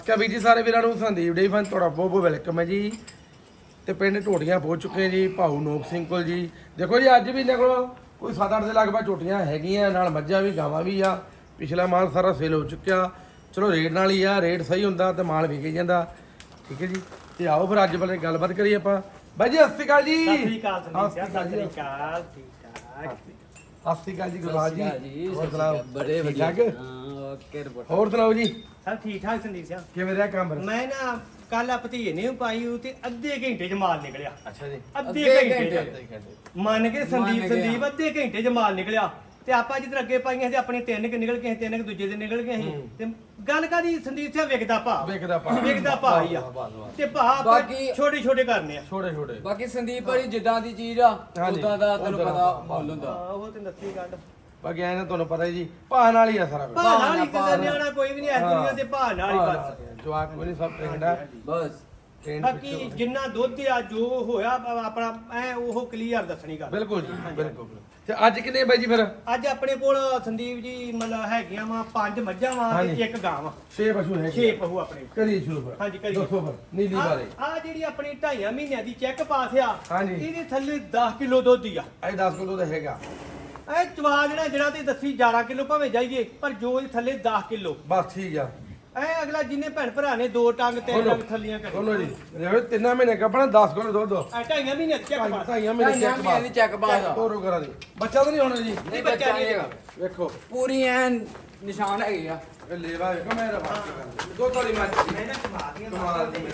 ਅਸਕਾ ਵੀਰ ਜੀ ਸਾਰੇ ਵੀਰਾਂ ਨੂੰ ਸੰਦੀਪ ਡੇ ਫਨ ਤੁਹਾਡਾ ਬਹੁਤ ਬਹੁਤ ਵੈਲਕਮ ਹੈ ਜੀ। ਤੇ ਪਿੰਡ ਢੋਟੀਆਂ ਪਹੁੰਚ ਚੁੱਕੇ ਜੀ ਭਾਊ ਨੋਕ ਸਿੰਘ ਕੋਲ ਜੀ। ਦੇਖੋ ਜੀ ਅੱਜ ਵੀ ਇਹਨਾਂ ਕੋਲ ਕੋਈ 7-8 ਦੇ ਲਗਭਗ ਝੋਟੀਆਂ ਹੈਗੀਆਂ, ਨਾਲ ਮੱਝਾਂ ਵੀ ਗਾਵਾਂ ਵੀ ਆ। ਪਿਛਲਾ ਮਾਲ ਸਾਰਾ ਸੇਲ ਹੋ ਚੁੱਕਿਆ। ਚਲੋ ਰੇਟ ਨਾਲ ਹੀ ਆ, ਰੇਟ ਸਹੀ ਹੁੰਦਾ ਤੇ ਮਾਲ ਵਿਕ ਜਾਂਦਾ। ਠੀਕ ਹੈ ਜੀ, ਤੇ ਆਓ ਫਿਰ ਅੱਜ ਬਾਰੇ ਗੱਲਬਾਤ ਕਰੀਏ ਆਪਾਂ। ਬਾਈ ਜੀ ਸਤਿ ਸ਼੍ਰੀ ਅਕਾਲ ਜੀ। ਸਤਿ ਸ਼੍ਰੀ ਅਕਾਲ ਸਤਿ ਸ਼੍ਰੀ ਅਕਾਲ ਠੀਕ ਠਾਕ। ਸਤਿ ਸ਼੍ਰੀ ਅਕਾਲ ਜੀ ਗੁਰਬਾਜ ਜੀ। ਹੋਰ ਸੁਣਾਓ? ਬੜੇ ਠੀਕ ਵਧੀਆ। ਠਾਕ? ਹਾਂ ਓਕੇ ਰਿਪੋਰਟ। ਹੋਰ ਸੁਣਾਓ ਜੀ, ਸਭ ਠੀਕ ਠਾਕ ਸੰਦੀਪ ਸਿੰਘ। ਕਿਵੇਂ ਰਿਹਾ ਕੰਮ? ਮੈਂ ਨਾ ਕੱਲ ਆ ਭਤੀਏ ਨੇ ਪਾਈ ਉਹ ਤੇ ਅੱਧੇ ਘੰਟੇ ਚ ਮਾਲ ਨਿਕਲਿਆ। ਅੱਛਾ ਜੀ, ਅੱਧੇ ਘੰਟੇ ਮੰਨ ਕੇ ਸੰਦੀਪ ਅੱਧੇ ਘੰਟੇ ਚ ਮਾਲ ਨਿਕਲਿਆ। ਤੇ ਆਪਾਂ ਜਿੱਧਰ ਅੱਗੇ ਪਾਈਆਂ ਸੀ ਆਪਣੀ 3 ਕਿ ਨਿਕਲ ਗਏ, 3 ਕਿ ਦੂਜੇ ਦੇ ਨਿਕਲ ਗਏ ਸੀ। ਤੇ ਗੱਲ ਕਾਦੀ ਸੰਦੀਪ ਸਿੰਘ ਵਿਕਦਾ ਭਾ ਵਿਕਦਾ ਭਾ ਹੀ ਆ। ਤੇ ਭਾ ਬਾਕੀ ਛੋਟੇ ਛੋਟੇ ਕਰਨੇ ਆ। ਛੋਟੇ ਬਾਕੀ ਸੰਦੀਪ ਭਾਈ ਜਿੱਦਾਂ ਦੀ ਚੀਜ਼ ਆ ਹਾਂਜੀ, ਉਦਾਂ ਦਾ ਤੈਨੂੰ ਉੱਦਾਂ ਪਤਾ ਦਾ ਮੁੱਲ ਹੁੰਦਾ। ਹਾਂ ਉਹ ਤੇ ਦੱਸੀ ਗੱਲ। ਬਾਕੀ ਐ ਨਾ ਤੁਹਾਨੂੰ ਪਤਾ ਜੀ, ਭਾਅ ਨਾਲ ਹੀ ਆ ਸਾਰਾ ਕੁਝ। ਭਾ ਨਾਲ ਹੀ ਕਿਤੇ ਨਿਆਣਾ ਕੋਈ ਵੀ ਨਹੀਂ ਇਸ ਦੁਨੀਆ ਤੇ ਭਾ ਨਾਲ ਹੀ ਬਸ। ਜਵਾਕ ਕੋਈ ਨਹੀਂ, ਸਭ ਟ੍ਰੇਨਡ ਆ। ਬਸ ਬਾਕੀ ਜਿੰਨਾ ਦੁੱਧ ਆ ਜੋ ਹੋਇਆ ਆਪਣਾ ਐ ਉਹ ਕਲੀਅਰ ਦੱਸਣੀ ਗੱਲ। ਬਿਲਕੁਲ ਜੀ, ਬਿਲਕੁਲ। ਤੇ ਅੱਜ ਕਿੰਨੇ ਬਾਈ ਜੀ ਫਿਰ? ਅੱਜ ਆਪਣੇ ਕੋਲ ਸੰਦੀਪ ਜੀ ਮਤਲਬ ਹੈਗੀਆਂ ਵਾ 5 ਮੱਝਾਂ ਵਾ ਹਾਂਜੀ। ਤੇ 1 ਗਾਂ ਵਾ। 6 ਪਸ਼ੂ ਹੈ 6 ਪਹੂ ਆਪਣੇ। ਕਰੀ ਸ਼ੁਰੂ ਫਿਰ। ਹਾਂਜੀ, ਕਰੀਏ। ਦੱਸੋ ਫਿਰ ਨੀਲੀ ਬਾਰੇ। ਆ ਜਿਹੜੀ ਆਪਣੀ 2.5 ਮਹੀਨਿਆਂ ਦੀ ਚੈੱਕ ਪਾਸ ਆ। ਹਾਂਜੀ। ਇਹਦੇ ਥੱਲੇ 10 ਕਿਲੋ ਦੁੱਧ ਹੀ ਆ। ਇਹ 10 ਕਿਲੋ ਦਾ ਹੈਗਾ ਇਹ ਚਵਾ ਜਿਹੜਾ ਤੇ ਦੱਸੀ 11 ਕਿਲੋ ਭਾਵੇਂ ਜਾਈਏ, ਪਰ ਜੋ ਇਹ ਥੱਲੇ 10 ਕਿਲੋ। ਬਸ ਠੀਕ ਆ। ਇਹ ਅਗਲਾ ਜਿੰਨੇ ਭੈਣ ਭਰਾ ਨੇ 2 ਟੰਗ 3 ਟੰਗ ਥੱਲੀਆਂ ਕਰੀ। ਬੋਲੋ ਜੀ, ਰੇਵੇ 3 ਮਹੀਨੇ ਕੱਪੜਾ 10 ਕਿਲੋ ਦੁੱਧ। 2.5 ਮਹੀਨਿਆਂ ਦੀ ਚੈੱਕ ਪਾਸ। 2.5 ਮਹੀਨੇ ਚੈੱਕ ਬਾਅਦ ਦੀ ਚੈੱਕ ਬਾਅਦ ਤੋਰੋ ਕਰਾਂ ਦੀ ਬੱਚਾ ਤਾਂ ਨਹੀਂ ਹੋਣਾ ਜੀ। ਨਹੀਂ ਬੱਚਾ ਨਹੀਂ ਹੈਗਾ। ਵੇਖੋ ਪੂਰੀ ਐਨ ਨਿਸ਼ਾਨ ਹੈਗੇ ਆ। ਇਹ ਲੇਵਾ ਵੇਖੋ ਮੇਰਾ ਬਾਤ ਦੋ ਤੋਲੀ ਮੱਝ ਮੈਂ ਨਾ ਚਵਾ ਦੀਆਂ ਕਮਾਲ ਦੀ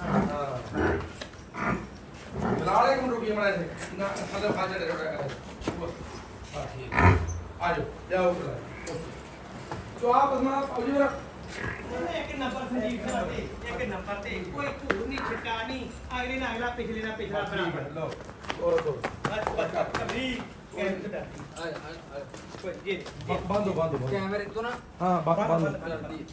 ਹਾਂ। ਲਾਲੇ ਨੂੰ ਰੁਕੀ ਮੜਾ ਸੇ ਨਾ ਸਾਡੇ ਖਾਜੇ ਦੇ ਰੋੜਾ ਕਰੇ ਬਸ ਠੀਕ ਆ ਜਾਓ ਜਾਓ ਕਰ ਸੋ ਆਪ ਅਸਮਾ ਪਾਉ ਜੀ ਮੇਰਾ ਇੱਕ ਨੰਬਰ ਸੰਦੀਪ ਸਿੰਘ ਤੇ ਇੱਕ ਨੰਬਰ ਤੇ ਕੋਈ ਧੂੜ ਨਹੀਂ ਛਿੱਟਾ ਨਹੀਂ, ਅਗਲੇ ਨਾਲ ਅਗਲਾ ਪਿਛਲੇ ਨਾਲ ਪਿਛਲਾ ਬਰਾਬਰ। ਲਓ ਹੋਰ ਤੋਂ ਬਸ ਬਸ ਕਬਰੀ ਕੈਮਰਾ ਕੋਈ ਜੀ ਬੰਦ ਕੈਮਰੇ ਤੋਂ ਨਾ ਹਾਂ ਬੰਦ ਕਰਦੀ।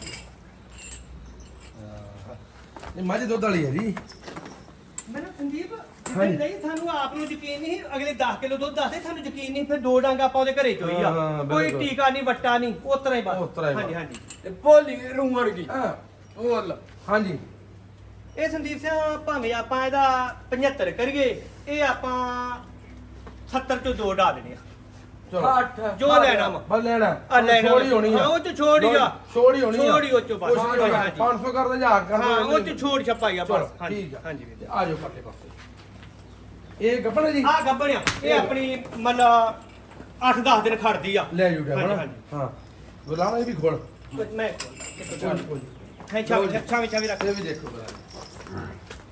ਇਹ ਮੱਝ ਦੁੱਧ ਵਾਲੀ ਹੈ ਜੀ। ਮੈਂ ਨਾ ਸੰਦੀਪ ਹਾਂਜੀ। ਨਹੀਂ ਸਾਨੂੰ ਆਪ ਨੂੰ ਯਕੀਨ ਨਹੀਂ, ਅਗਲੇ 10 ਕਿਲੋ ਦੁੱਧ ਦੱਸਦੇ ਸਾਨੂੰ ਯਕੀਨ ਨਹੀਂ, ਫਿਰ 2 ਡੰਗ ਆਪਾਂ ਉਹਦੇ ਘਰੇ ਚੋਈ ਆ। ਹਾਂ, ਕੋਈ ਬਿਲਕੁਲ। ਟੀਕਾ ਨਹੀਂ ਵੱਟਾ ਨਹੀਂ, ਉਸ ਤਰ੍ਹਾਂ ਹੀ ਉਸ ਤਰ੍ਹਾਂ ਬਸ। ਹੀ ਹਾਂਜੀ ਬਸ। ਹਾਂਜੀ ਤੇ ਭੋਲੀ ਰੂੰ ਵਰਗੀ ਹਾਂ ਉਹ ਹਾਂਜੀ। ਇਹ ਸੰਦੀਪ ਸਿੰਘ ਭਾਵੇਂ ਆਪਾਂ ਇਹਦਾ 75 ਕਰੀਏ, ਇਹ ਆਪਾਂ 70 ਚੋਂ 2 ਢਾ ਦੇਣੇ ਆ। ਚਲੋ 8 ਜੋ ਲੈਣਾ ਵਾ ਬਸ ਲੈਣਾ ਆ ਲੈਣਾ ਛੋੜੀ ਹੋਣੀ ਆ। ਉਹ ਚ ਛੋੜ ਹੀ ਆ। ਛੋੜ ਹੀ ਹੋਣੀ ਆ। ਛੋੜ ਹੀ ਉਹ ਚੋਂ ਬਸ। ਕੁਛ ਨਹੀਂ ਹੋਣਾ। ਹਾਂਜੀ। 500 ਕਰ ਦੇ ਜਾਂ ਕਰ ਹਾਂ ਉਹ ਚ ਛੋੜ ਛਪਾਈ ਆ ਚਲੋ ਬਸ। ਠੀਕ ਆ। ਹਾਂਜੀ ਤੇ ਆ ਜਾਓ ਪਰਲੇ ਪਾਸੇ। ਇਹ ਗੱਪਣ ਜੀ ਆ ਗੱਬਣਿਆ ਇਹ ਆਪਣੀ ਮਤਲਬ 8-10 ਦਿਨ ਖੜਦੀ ਆ। ਲੈ ਜੂਗਾ ਹਾਂਜੀ, ਬਣਾ ਹਾਂਜੀ। ਹਾਂ ਗੁਲਾਮ ਇਹ ਵੀ ਖੋਲ ਮੈਂ ਕੋਈ ਹੈ ਛਾਵੇਂ ਰੱਖ। ਇਹ ਵੀ ਦੇਖੋ ਬਣਾ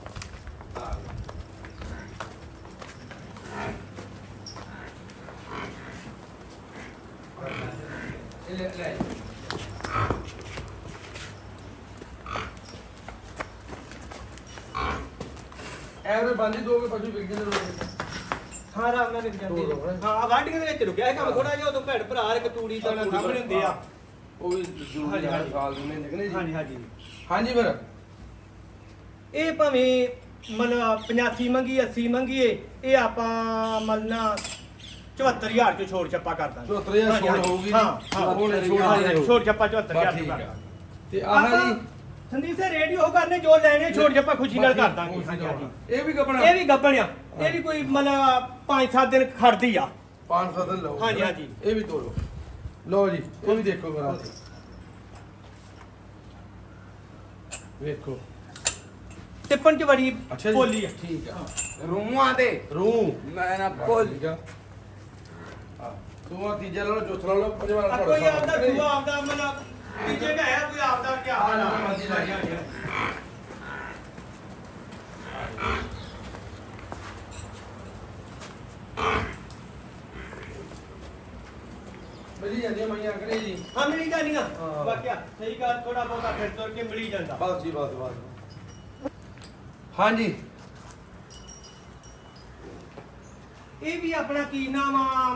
ਇਹ ਲੈ ਐਵਰੇ ਬੰਦੀ ਦੋ ਕੇ ਪਸ਼ੂ ਵਿਕ ਜਾਂਦੇ ਰੋਜ਼। ਹਾਂ ਰਾਮ ਨਾਲ ਨਿਕ ਜਾਂਦੇ ਦੋ ਦੋ। ਹਾਂ ਵਾਢੀਆਂ ਦੇ ਵਿੱਚ ਰੁਕਿਆ ਇਹ ਕੰਮ ਥੋੜਾ ਜਿਹਾ, ਉਦੋਂ ਭੈਣ ਭਰਾ ਇੱਕ ਤੂੜੀ ਦਾ ਸਾਹਮਣੇ ਹੁੰਦੇ ਆ। ਉਹ ਵੀ ਜ਼ਰੂਰੀ ਹਾਂਜੀ, ਹੈ ਹਾਂਜੀ। ਸਾਲ ਦੇ ਮਹੀਨੇ ਨਿਕਲੇ ਹਾਂਜੀ ਜੀ। ਹਾਂਜੀ ਹਾਂਜੀ ਫਿਰ ਇਹ ਭਾਵੇਂ ਮਤਲਬ 85 ਮੰਗੀ 80 ਮੰਗੀਏ, ਇਹ ਆਪਾਂ ਮਲਨਾ 74000 ਚੋਂ ਛੋੜ ਛੱਪਾ ਕਰ ਦਾਂਗੇ। 74000 ਹਾਂਜੀ, ਛੋੜ ਹਾਂਜੀ। ਹੋਊਗੀ ਜੀ। ਹਾਂ ਹਾਂ ਉਹ ਲੈ ਛੋੜ ਹਾਂਜੀ, ਹੋਊਗੀ। ਛੋੜ ਛੱਪਾ ਬਸ 74000 ਠੀਕ ਚੋਂ ਆ। ਕਰ ਦਾਂਗੇ। ਤੇ ਆਹ ਜੀ ਸੰਦੀਪ ਸੇ ਰੇਡੀਓ ਕਰਨੇ ਜੋ ਲੈਣੇ ਛੋੜ ਛੱਪਾ ਖੁਸ਼ੀ ਨਾਲ ਕਰ ਦਾਂਗੇ। ਹਾਂਜੀ ਹਾਂਜੀ ਇਹ ਵੀ ਕਪੜਾ ਇਹ ਵੀ ਗੱਬਣ ਆ। ਇਹ ਵੀ ਕੋਈ ਮਤਲਬ 5-7 ਦਿਨ ਖੜਦੀ ਆ। 500 ਦਿਨ ਲਓ। ਹਾਂਜੀ, ਹਾਂਜੀ। ਇਹ ਵੀ ਤੋੜੋ ਲਓ ਜੀ, ਇਹ ਵੀ ਦੇਖੋ ਮੇਰਾ ਵੇਖੋ ਟਿੱਪਣ ਚ ਬੜੀ ਅੱਛਾ ਜੀ ਬੋਲੀ ਆ। ਠੀਕ ਆ। ਰੂਹਾਂ ਤੇ ਰੂਹ ਮੈਂ ਨਾ ਭੋਲ ਠੀਕ ਆ। ਹਾਂ ਤੂੰ ਆ ਤੀਜਾ ਲਾ ਲਓ, ਚੌਥਾ ਲਾ ਲਓ, ਪੰਜਵਾਂ ਲਾ ਆ ਲਓ। ਕੋਈ ਆਪਦਾ ਦੂਆ ਆਪਦਾ ਮਤਲਬ ਤੀਜੇ ਦਾ ਹੈ ਕੋਈ ਆਪਦਾ ਕੀ ਹਾਲ ਆ। ਹਾਂਜੀ ਹਾਂਜੀ ਮਿਲੀ ਜਾਂਦੀਆਂ ਮਈਆਂ ਕਰੇ ਜੀ। ਹਾਂ ਮਿਲੀ ਜਾਂਦੀਆਂ ਹਾਂ। ਵਾਕਿਆ ਸਹੀ ਗੱਲ, ਥੋੜਾ ਬਹੁਤਾ ਫਿਰ ਤੁਰ ਕੇ ਮਿਲੀ ਜਾਂਦਾ। ਬਸ ਜੀ ਬਸ। ਹਾਂਜੀ ਇਹ ਵੀ ਆਪਣਾ ਕੀ ਨਾਮ ਆ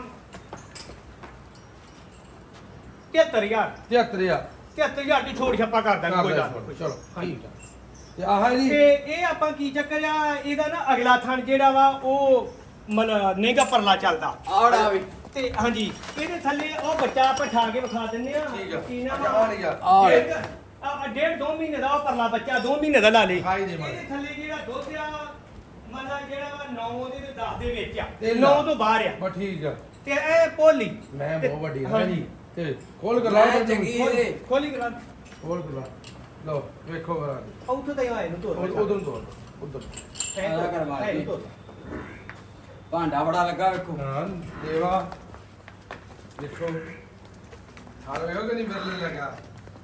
73000 73000 73000 ਦੀ ਛੋੜ ਛੱਪਾ ਕਰ ਦਾਂਗੇ ਕੋਈ ਗੱਲ ਨਹੀਂ। ਚਲੋ ਠੀਕ ਆ। ਤੇ ਆਹ ਜੀ ਤੇ ਇਹ ਆਪਾਂ ਕੀ ਚੱਕਰ ਆ, ਇਹਦਾ ਨਾ ਅਗਲਾ ਥਣ ਜਿਹੜਾ ਵਾ ਉਹ ਨੇਗਾ ਪਰਲਾ ਚੱਲਦਾ ਆੜਾ ਵੀ ਤੇ ਹਾਂਜੀ ਇਹਦੇ ਥੱਲੇ ਉਹ ਬੱਚਾ ਆਪਾਂ ਠਾ ਕੇ ਵਿਖਾ ਦਿੰਦੇ ਆ। ਠੀਕ ਆ। ਕੀ ਨਾਮ ਅੱਛਾ, ਆਹ ਨਹੀਂ ਆ। ਆਹ। ਇੱਕ ਆ ਡੇਢ 2 ਮਹੀਨੇ ਦਾ ਉਹ ਪਰਲਾ ਬੱਚਾ 2 ਮਹੀਨੇ ਦਾ ਲਾ ਲੇ ਖਾਈ ਦੇ ਮਾਰ। ਇਹਦੇ ਥੱਲੇ ਜਿਹੜਾ ਦੁੱਧ ਆ ਮਤਲਬ ਜਿਹੜਾ ਵਾ 9 ਦੇ ਤੇ 10 ਦੇ ਵਿੱਚ ਆ ਤੇ 9 ਤੋਂ ਬਾਹਰ ਆ ਬਸ ਠੀਕ ਆ ਤੇ ਇਹ ਭੋਲੀ ਮੈਂ ਬਹੁਤ ਵੱਡੀ ਹਾਂ ਹਾਂ ਜੀ ਤੇ ਖੋਲ ਕਰ ਲਾ ਮੈਂ ਚੰਗੀ ਇਹਦੇ ਖੋਲੀ ਕਰਾ ਖੋਲ ਕਰ ਲਾ ਲਓ ਵੇਖੋ ਕਰਾ ਉੱਥੋਂ ਤਾਂ ਆਏ ਨੂੰ ਤੋਰ ਉਧਰ ਤੋਂ ਉਧਰ ਆਲਾ ਕਰਵਾ ਲਈ। ਭਾਂਡਾ ਬੜਾ ਲੱਗਾ ਵੇਖੋ ਹਾਂ ਦੇਵਾ ਦੇਖੋ ਹਾਲ ਵੇਖੋ ਕਿ ਨਹੀਂ ਬਦਲਣ ਲੱਗਾ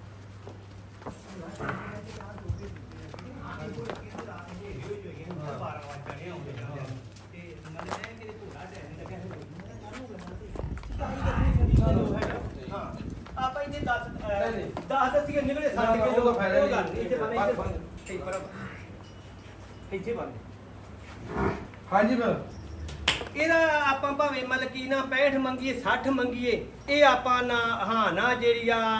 ਆਪਾਂ ਇਹਦੇ 10 ਨਹੀਂ। 10 ਦਸੀਏ ਨਿਕਲੇ ਨਾ, 60 ਨਾ, ਕਿਲੋ ਉਹ ਤਾਂ ਫਾਇਦਾ ਨਹੀਂ। ਗੱਲ ਇੱਥੇ ਬੰਨੇ ਬੰਦ, ਇੱਥੇ ਬਰਾਬਰ ਇੱਥੇ ਬੰਨੇ ਹਾਂਜੀ ਮੈਂ ਇਹਦਾ ਆਪਾਂ ਭਾਵੇਂ ਮਤਲਬ ਕੀ ਨਾ 65 ਮੰਗੀਏ 60 ਮੰਗੀਏ ਇਹ ਆਪਾਂ ਨਾ ਹਾਂ ਨਾ ਜਿਹੜੀ ਆ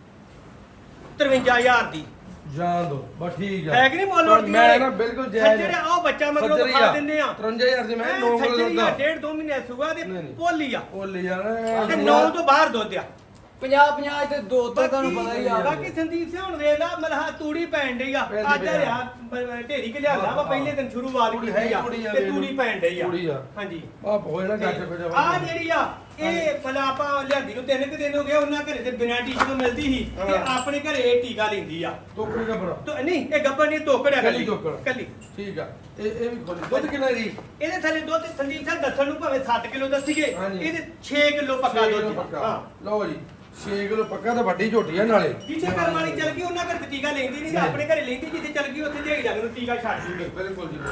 53000 ਦੀ ਜਾਣ ਦੋ ਬਸ ਠੀਕ ਆ ਹੈ ਕਿ ਨਹੀਂ ਮੁੱਲ ਪਰ ਉੜਦੀ ਮੈਂ ਨਾ ਬਿਲਕੁਲ ਜਾਇਜ਼ ਜਿਹੜੇ ਆਹ ਬੱਚਾ ਮਗਰੋਂ ਸੱਜਰੀ ਦਿਖਾ ਆ। ਦਿੰਦੇ ਆ 53000 ਦੀ ਮੈਂ 9 ਕਿਲੋ ਸੱਜਰੀ ਦੁੱਧ ਆ ਆ। 1.5 2 ਮਹੀਨੇ ਸੁਗਾ ਦੇ ਨਹੀਂ, ਨਹੀਂ। ਪੋਲੀ ਆ ਉਹ ਲੈ ਜਾਣਾ ਤੇ 9 ਤੋਂ ਬਾਹਰ ਦੁੱਧ ਆ 50 ਤੇ ਦੋ ਤਾਂ ਤੁਹਾਨੂੰ ਪਤਾ ਹੀ ਆ ਬਾਕੀ ਸੰਦੀਪ ਸਿੰਘ ਹੁਣ ਵੇਖ ਲਾ ਮਲਹਾ ਤੂੜੀ ਪੈਣ ਡਈ ਆ ਪੈਂਦੀ ਅੱਜ ਪਈ ਆ। ਰਿਆ ਢੇਰੀ ਕਿ ਲਿਆਂਦਾ ਵਾ ਪਹਿਲੇ ਦਿਨ ਸ਼ੁਰੂਆਤ ਤੂੜੀ ਕੀਤੀ ਹੈ, ਆ ਤੂੜੀ ਆ, ਤੇ ਤੂੜੀ ਪੈਣ ਡਈ ਆ ਤੂੜੀ ਆ। ਹਾਂਜੀ ਆ ਹੋਏ ਨਾ ਗੱਜ ਕੋ ਜਾ ਆ ਜਿਹੜੀ ਆ ਇਹ ਮਤਲਬ ਆਪਾਂ ਲਿਆਂਦੀ ਨੂੰ 3 ਦਿਨ ਹੋ ਗਏ ਉਹਨਾਂ ਘਰੇ ਤੇ ਬਿਨਾਂ ਟੀਕੇ ਤੋਂ ਮਿਲਦੀ ਸੀ ਤੇ ਹਾਂ। ਆਪਣੇ ਘਰੇ ਇਹ ਟੀਕਾ ਲੈਂਦੀ ਆ ਟੋਕਰੀ ਦਾ ਬੜਾ ਤੋ ਨਹੀਂ ਇਹ ਗੱਬਰ ਨਹੀਂ ਤੋਕੜਿਆ ਕੱਲੀ ਤੋਕੜ। ਕੱਲੀ ਠੀਕ ਆ ਇਹ ਵੀ ਖੋਲੀ ਦੁੱਧ ਕਿੰਨਾ ਜੀ ਇਹਦੇ ਥੱਲੇ ਦੁੱਧ ਸੰਦੀਪ ਸਾਹਿਬ ਦੱਸਣ ਨੂੰ ਭਾਵੇਂ 7 ਕਿਲੋ ਦੱਸੀਏ ਹਾਂਜੀ। ਇਹਦੇ 6 ਕਿਲੋ ਪੱਕਾ 6 ਕਿਲੋ ਦੁੱਧ ਪੱਕਾ ਹਾਂ ਲਓ ਜੀ 6 ਕਿਲੋ ਪੱਕਾ ਤਾਂ ਵੱਡੀ ਝੋਟੀ ਆ ਨਾਲੇ ਜਿੱਥੇ ਕਰਮ ਵਾਲੀ ਚਲ ਗਈ ਉਹਨਾਂ ਘਰ ਟੀਕਾ ਲੈਂਦੀ ਨਹੀਂ ਤੇ ਨਹੀਂ। ਆਪਣੇ ਘਰੇ ਲੈਂਦੀ ਜਿੱਥੇ ਚਲ ਗਈ ਉੱਥੇ ਦੇਖ ਜਾਂਦੇ ਨੂੰ ਟੀਕਾ ਛੱਡ ਦਿੰਦੇ ਬਿਲਕੁਲ ਜੀ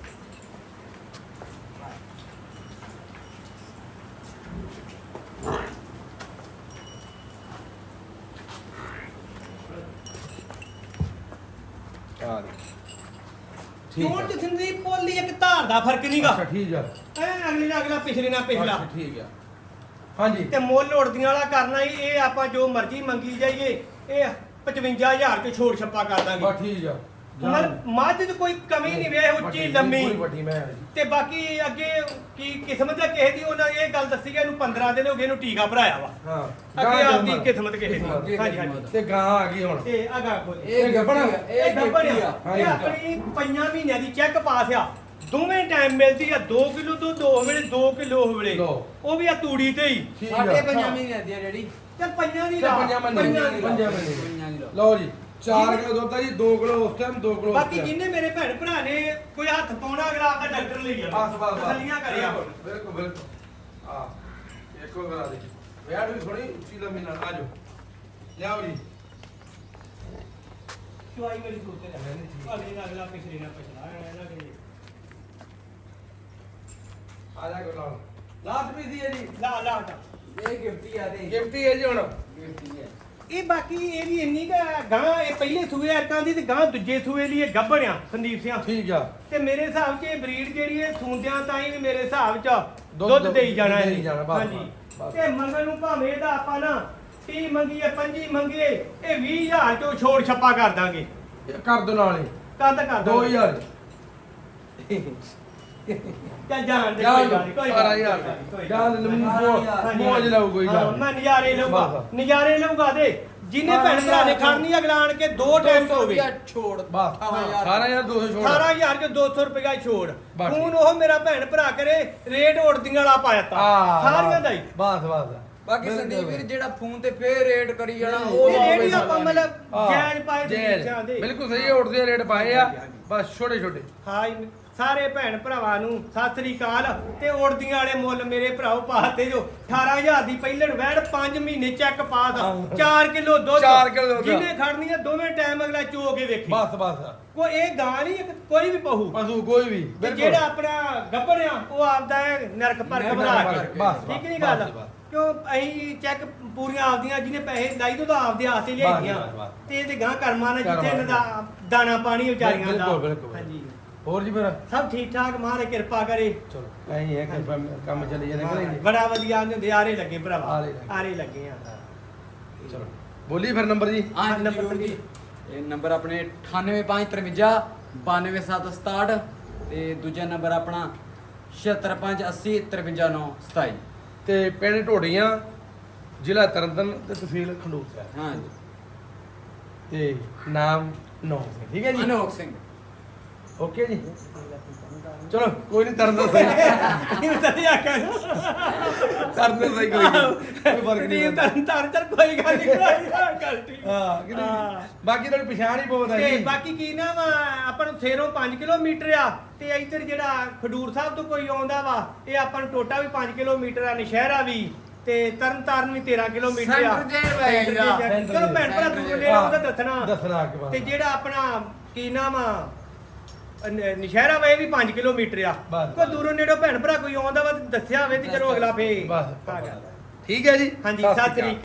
ਆ ਦੇ ਠੀਕ ਕਿਉਂ ਆ ਤੇ ਸੰਦੀਪ ਪੋਲੀ ਇੱਕ ਧਾਰ ਦਾ ਫਰਕ ਨਹੀਂਗਾ ਅੱਛਾ ਠੀਕ ਆ ਐ ਅਗਲੇ ਨਾਲ ਅਗਲਾ ਪਿਛਲੇ ਨਾਲ ਪਿਛਲਾ ਅੱਛਾ, ਠੀਕ ਆ ਹਾਂਜੀ ਤੇ ਮੁੱਲ ਉੜਦੀਆਂ ਵਾਲਾ ਕਰਨਾ ਹੀ ਇਹ ਆਪਾਂ ਜੋ ਮਰਜ਼ੀ ਮੰਗੀ ਜਾਈਏ ਇਹ 55000 ਚ ਛੋੜ ਛੱਪਾ ਕਰ ਦਾਂਗੇ ਬਸ ਠੀਕ ਆ ਮਤਲਬ ਮੱਝ ਚ ਕੋਈ ਕਮੀ ਨਹੀਂ ਵੇ ਉੱਚੀ ਲੰਮੀ ਪੂਰੀ ਵੱਡੀ ਮੈਂ ਆ ਜੀ ਤੇ ਬਾਕੀ ਅੱਗੇ ਕੀ ਕਿਸਮਤ ਦਾ ਕਿਸੇ ਦੀ ਉਹਨਾਂ ਇਹ ਗੱਲ ਦੱਸੀ ਕਿ ਇਹਨੂੰ 15 ਦਿਨ ਹੋ ਗਏ ਇਹਨੂੰ ਟੀਕਾ ਭਰਾਇਆ ਵਾ ਹਾਂ ਅੱਗੇ ਗਾਂ ਆਪਦੀ ਜੰਮਣ। ਕਿਸਮਤ ਕਿਸੇ ਦੀ ਹਾਂਜੀ ਹਾਂਜੀ ਤੇ ਗਾਂ ਆ ਗਈ ਹੁਣ ਤੇ ਅਗਾ ਕੋਲ ਇਹ ਗੱਭਣ? ਇਹ ਗੱਭਣ ਗਿਫਟੀ ਆ ਆ ਇਹ ਆਪਣੀ 5 ਮਹੀਨਿਆਂ ਦੀ ਚੈੱਕ ਪਾਸ ਆ ਦੋਵੇਂ ਟਾਈਮ ਮਿਲਦੀ ਆ 2 ਕਿਲੋ ਤੋਂ 2 ਵੇਲੇ 2 ਕਿਲੋ ਵੇਲੇ ਲਓ। ਉਹ ਵੀ ਆ ਤੂੜੀ ਤੇ ਹੀ ਠੀਕ ਆ ਸਾਡੇ 5 ਮਹੀਨੇ ਦੀ ਆ ਜਿਹੜੀ ਤੇ ਪੰਜਾਂ ਦੀ ਤੇ ਲਾ ਪੰਜਾਂ ਮਹੀਨੇ ਪੰਜਾਂ ਦੀ ਲਾ। ਪੰਜਾਂ ਮਹੀਨੇ ਪੰਜਾਂ ਦੀ ਲਾ। ਲਓ ਜੀ 4 ਕਿਲੋ ਦੁੱਧ ਆ ਜੀ 2 ਕਿਲੋ ਉਸ ਟਾਈਮ 2 ਕਿਲੋ ਬਾਕੀ ਜਿੰਨੇ ਮੇਰੇ ਭੈਣ ਭਰਾ ਨੇ ਕੋਈ ਹੱਥ ਪਾਉਣਾ ਅਗਲਾ ਆਪਦਾ ਡਾਕਟਰ ਲਈ ਆ ਬਸ ਬਸ ਤਸੱਲੀਆਂ ਕਰਿਆ ਬਿਲਕੁਲ ਬਿਲਕੁਲ ਆ ਇੱਕੋ ਕਰਾ ਦੇ ਵਿਆਹ ਵੀ ਥੋੜੀ ਉੱਚੀ ਲੰਮੀ ਨਾਲ ਆ ਜਾਓ ਲਿਆਓ ਜੀ ਚੁਆਈ ਮੇਰੀ ਸੋਚ ਤੇ ਰਹਿ ਅਗਲੇ ਨਾਲ ਅਗਲਾ ਪਿਛਲੇ ਨਾਲ ਪਿਛਲਾ ਇਹਨਾਂ ਦੇ ਆ ਜਾ ਕੋ ਲਾਓ ਲਾਸਟ ਪੀਸ ਹੀ ਹੈ ਜੀ ਲਾ ਲਾ ਹਟਾ। ਇਹ ਗਿਫਟੀ ਆ ਤੇ ਗਿਫਟ ਹੀ ਹੈ ਜੀ ਹੁਣ ਗਿਫਟੀ ਹੈ ਇਹ ਬਾਕੀ ਇਹਦੀ ਇੰਨੀ ਕਾ ਗਾਂ ਇਹ ਪਹਿਲੇ ਸੂਏ ਅਰਕਾਂ ਦੀ ਤੇ ਗਾਂ ਦੂਜੇ ਸੂਏ ਲਈ ਇਹ ਗੱਭਣ ਆ ਸੰਦੀਪ ਸਿੰਘ ਠੀਕ ਆ ਤੇ ਮੇਰੇ ਹਿਸਾਬ 'ਚ ਇਹ ਬਰੀਡ ਜਿਹੜੀ ਇਹ ਸੂੰਦਿਆਂ ਤਾਂ ਹੀ ਵੀ ਮੇਰੇ ਹਿਸਾਬ 'ਚ ਦੁੱਧ ਦੁੱਧ ਦੇਈ ਜਾਣਾ ਦੇਈ ਹੈ ਜਾਣਾ, ਬਸ, ਹਾਂਜੀ ਬਸ। ਤੇ ਮੰਗਣ ਨੂੰ ਭਾਵੇਂ ਇਹਦਾ ਆਪਾਂ ਨਾ 30 ਮੰਗੀਏ 25 ਮੰਗੀਏ ਇਹ 20000 ਚੋਂ ਛੋੜ ਛੱਪਾ ਕਰ ਦਾਂਗੇ ਇਹ ਕਰ ਦੋ ਨਾਲ ਹੀ ਕਦ ਕਰ ਦਾਂਗੇ 2000 ਚੱਲ ਜਾਣ ਦੇ ਜਾਣ ਕੋਈ ਗੱਲ ਨਹੀਂ ਕੋਈ ਗੱਲ 12000 ਨਹੀਂ ਜਾਨ ਹਾਂਜੀ, ਮੋਜ ਲਾਉ ਕੋਈ ਹਾਂ, ਗੱਲ ਮੈਂ ਨਜ਼ਾਰੇ ਲਊਗਾ ਬਸ। ਨਜ਼ਾਰੇ ਲਊਗਾ ਦੇ ਜਿੰਨੇ ਭੈਣ ਭਰਾ ਨੇ ਖਾਣੀ ਅਗਲਾ ਆਣ ਕੇ 2 ਟਾਈਮ ਤੋਂ ਹੋਵੇ ਛੋੜ ਬਸ 18200 ਛੋੜ 18000 ਚ 200 ਰੁਪਏ ਦਾ ਛੋੜ ਬਸ ਹੁਣ ਉਹ ਮੇਰਾ ਭੈਣ ਭਰਾ ਕਰੇ ਰੇਟ ਉੜਦੀਆਂ ਵਾਲਾ ਪਾਇਆ ਤਾ ਸਾਰੀਆਂ ਦਾ ਹੀ ਬਸ ਬਸ ਬਾਕੀ ਸੰਦੀਪ ਵੀਰ ਜਿਹੜਾ ਫੋਨ ਤੇ ਫੇਰ ਰੇਟ ਕਰੀ ਜਾਣਾ ਇਹ ਉਹ ਰੇਟ ਹੀ ਆਪਾਂ ਮਤਲਬ ਜਾਇਜ਼ ਪਾਏ ਜਾਇਜ਼। ਬੱਚਿਆਂ ਦੇ ਬਿਲਕੁਲ ਸਹੀ ਉੜਦੇ ਰੇਟ ਪਾਏ ਆ ਬਸ ਛੋਟੇ ਛੋਟੇ ਹਾਈ ਸਾਰੇ ਭੈਣ ਭਰਾਵਾਂ ਨੂੰ ਸਤਿ ਸ੍ਰੀ ਅਕਾਲ ਤੇ ਉੜਦੀਆਂ ਵਾਲੇ ਮੁੱਲ ਮੇਰੇ ਭਰਾਓ ਪਾਤੇ ਜੋ 18000 ਦੀ ਪਹਿਲਣ ਵੈੜ 5 ਮਹੀਨੇ ਚੈੱਕ ਪਾਸ 4 ਕਿਲੋ ਦੁੱਧ 4 ਕਿਲੋ ਦੁੱਧ। ਜਿਹਨੇ ਖੜਨੀ ਆ ਦੋਵੇਂ ਟਾਈਮ ਅਗਲਾ ਚੋ ਕੇ ਵੇਖੀ ਬਸ ਬਸ ਕੋਈ ਇਹ ਗਾਂ ਨਹੀਂ ਇੱਕ ਕੋਈ ਵੀ ਪਹੂ ਪਸ਼ੂ ਕੋਈ ਵੀ ਤੇ ਜਿਹੜਾ ਆਪਣਾ ਗੱਭਣ ਆ ਉਹ ਆਪਦਾ ਇਹ ਨਰਕ ਪਰਖ ਨਰਕ ਬਣਾ ਪਰਖ, ਕੇ ਬਸ, ਠੀਕ ਨਹੀਂ ਬਸ, ਗੱਲ ਬਸ। ਕਿਉਂ ਅਸੀਂ ਚੈੱਕ ਪੂਰੀਆਂ ਆਪਦੀਆਂ ਜਿਹਨੇ ਪੈਸੇ ਲਾਈ ਤੋਂ ਤਾਂ ਆਪਦੇ ਆਸਤੇ ਲਿਆਈਆਂ ਬਸ, ਬਸ। ਤੇ ਇਹਦੇ ਗਾਂ ਕਰਮਾਂ ਨਾਲ ਜਿੱਥੇ ਕਰਮਾਂ ਇਹਨਾਂ ਦਾ ਦਾਣਾ ਪਾਣੀ ਵਿਚਾਰੀਆਂ ਦਾ ਬਿਲਕੁਲ, ਬਿਲਕੁਲ। ਹਾਂਜੀ ਹੋਰ ਜੀ ਫਿਰ ਸਭ ਠੀਕ ਠਾਕ ਮਹਾਰਾਜ ਕਿਰਪਾ ਕਰੇ ਚਲੋ ਐਂ ਹੀ ਹੈ ਕਿ ਕੰਮ ਚੱਲੀ ਜਾਂਦੇ ਕਰਾਂਗੇ ਬੜਾ ਵਧੀਆ ਨੇ ਆਰੇ ਲੱਗੇ ਭਰਾਵਾ ਆਰੇ ਲੱਗੇ। ਆਰੇ ਲੱਗੇ ਆ ਚਲੋ ਬੋਲੀ ਫਿਰ ਨੰਬਰ ਜੀ ਹਾਂ ਨੰਬਰ ਨੰਬਰ ਜੀ ਇਹ ਨੰਬਰ ਆਪਣੇ 9853 92767 ਤੇ ਦੂਜਾ ਨੰਬਰ ਆਪਣਾ 7658053927 ਤੇ ਪਿੰਡ ਢੋਡੀਆਂ ਜ਼ਿਲ੍ਹਾ ਤਰਨਤਾਰਨ ਤੇ ਤਹਿਸੀਲ ਖੰਡੂਰ ਸਾਹਿਬ ਹਾਂ ਜੀ ਤੇ ਨਾਮ ਨੌ ਸਿੰਘ, ਠੀਕ ਹੈ ਜੀ। ਅਨੋਖ ਸਿੰਘ। ਓਕੇ ਜੀ, ਚਲੋ ਕੋਈ ਨਹੀਂ, ਤਰਨ ਦਾ ਸਹੀ, ਇਹ ਤਾਂ ਨਹੀਂ ਆਖਿਆ ਤਰਨ ਦਾ ਸਹੀ, ਕੋਈ ਫਰਕ ਨਹੀਂ ਨਹੀਂ ਤਰਨ ਕੋਈ ਗੱਲ ਨਹੀਂ, ਗੱਲ ਠੀਕ। ਹਾਂ ਕਿ ਨਹੀਂ? ਹਾਂ। ਬਾਕੀ ਤੁਹਾਡੀ ਪਛਾਣ ਹੀ ਬਹੁਤ ਹੈ ਤੇ ਜੀ। ਬਾਕੀ ਕੀ ਨਾ ਵਾ, ਆਪਾਂ ਨੂੰ ਸੇਰੋਂ 5 ਕਿਲੋਮੀਟਰ ਆ, ਤੇ ਇੱਧਰ ਜਿਹੜਾ ਖਡੂਰ ਸਾਹਿਬ ਤੋਂ ਕੋਈ ਆਉਂਦਾ ਵਾ, ਇਹ ਆਪਾਂ ਨੂੰ ਟੋਟਾ ਵੀ 5 ਕਿਲੋਮੀਟਰ ਆ, ਨਸ਼ਹਿਰਾ ਵੀ, ਤੇ ਤਰਨ ਤਾਰਨ ਵੀ 13 ਕਿਲੋਮੀਟਰ ਆ। ਸੈਂਟਰ ਜੇਲ੍ਹ ਪੈ ਸੈਂਟਰ ਜਾਂਦਾ। ਜੇਲ੍ਹ। ਚਲੋ ਭੈਣ ਭਰਾ ਦੂਰ ਨੇੜੇ ਉਹਦਾ ਦੱਸਣਾ। ਦੱਸਣਾ ਕਿ ਬਾਤ। ਤੇ ਜਿਹੜਾ ਆਪਣਾ ਕੀ ਨਾਮ ਆ ਨਸ਼ਹਿਰਾ ਵਾ, ਇਹ ਵੀ 5 ਕਿਲੋਮੀਟਰ ਆ। ਬਸ। ਕੋਈ ਦੂਰੋਂ ਨੇੜੋਂ ਭੈਣ ਭਰਾ ਕੋਈ ਆਉਂਦਾ ਵਾ ਤੇ ਦੱਸਿਆ ਹੋਵੇ ਤੇ ਚਲੋ ਅਗਲਾ ਫੇ ਬਸ ਠੀਕ ਹੈ ਜੀ। ਹਾਂਜੀ ਸਤਿ ਸ਼੍ਰੀ ਸਤਿ ਸ੍ਰੀ ਅਕਾਲ। ਅਕਾਲ।